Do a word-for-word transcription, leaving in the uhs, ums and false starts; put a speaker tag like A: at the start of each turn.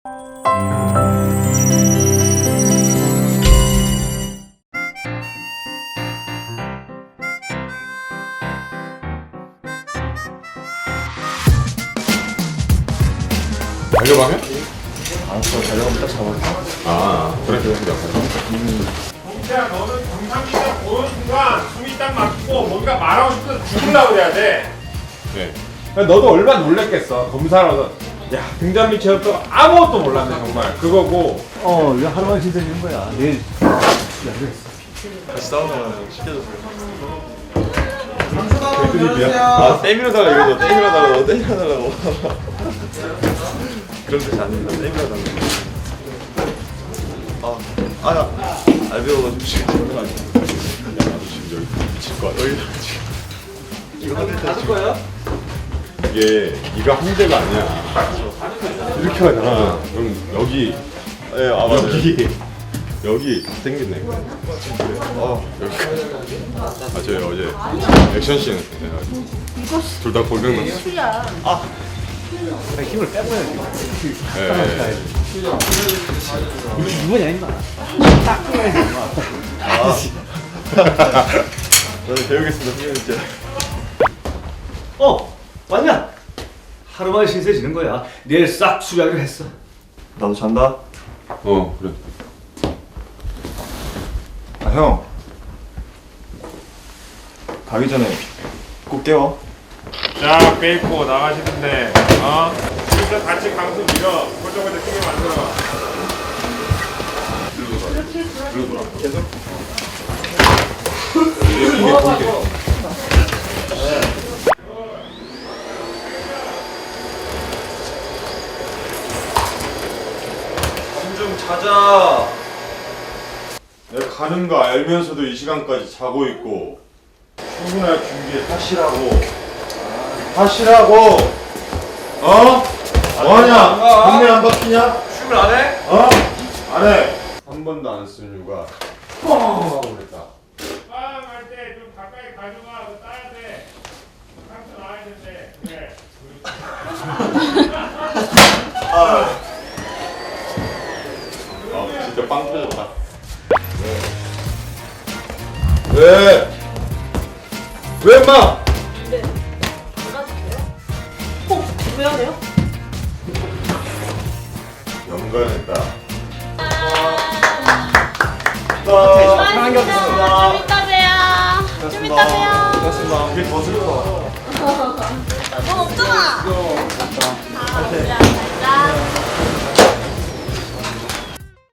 A: 달려가면?
B: 알았어, 달려가면 딱 잡아볼까?
A: 아, 그래, 그래, 그래.
C: 동태야, 너는 정상기자 보는 순간 숨이 딱 막히고 뭔가 말하고 싶어서 죽으려고 그래야 돼.
A: 네.
C: 너도 얼마나 놀랬겠어. 검사라서. 야, 등잔밑 체험도 아무것도 몰랐네, 정말. 그거고.
B: 어, 이거 하루만 신세지는 거야. 내일
D: 같이 싸우면 시켜줬어요.
A: 아,
D: 때밀어 달라 이거죠. 때밀어 달라고, 때밀어 달라고. 그런 뜻이 아닙니다. 때밀어 달라고. 아, 아, 나 알배워가지고 지금 장난 아니야.
A: 나도 지금 여기 미칠 것 같아.
D: 여기 지금 이거 하실 때 지금
B: 거야?
A: 이게 네가 한 대가 아니야. 이렇게 하잖아. 그럼 여기,
D: 예, 아 맞아요.
A: 여기, 여기 생겼네.
D: 어,
A: 여기까지. 아, 저희 어제 액션 씬 해가지고 둘 다 골병 났어.
E: 술이야.
B: 힘을 빼버려야지.
A: 예, 예.
B: 이거 누구냐, 임마. 딱 끊어야지, 임마.
D: 아, 저는 배우겠습니다, 선생님.
B: 어, 왔냐? 하루만 신세지는 거야. 내일 싹 수리하기로 했어.
D: 나도 잔다.
A: 어, 그래.
D: 아, 형. 가기 전에 꼭 깨워.
C: 자, 빼입고 나가시는데, 어? 진짜 같이 강수 밀어. 고정을 크게 만들어.
D: 계속?
B: 좀 자자.
A: 내가 가는 거 알면서도 이 시간까지 자고 있고 출근할 준비 하시라고. 하시라고. 어? 뭐하냐? 동네 안 바뀌냐?
B: 출근 안 해?
A: 어? 안 해. 한 번도 안 쓴 휴가 뻥 하고 그랬다.
C: 빵할 때 좀 가까이 가져가. 그거 따야 돼. 강수 나와야 된대. 그래.
A: 아, 진짜 빵 터졌다. 왜? 왜 인마?
E: 네. 받아주세요. 어? 왜 안 해요?
A: 연관했다.
E: 수고하셨습니다. 좀 이따 봬요. 좀 이따 봬요.
D: 고맙습니다. 이게 더 슬퍼.
E: 넌 없잖아. 아, 그래. 잘 자.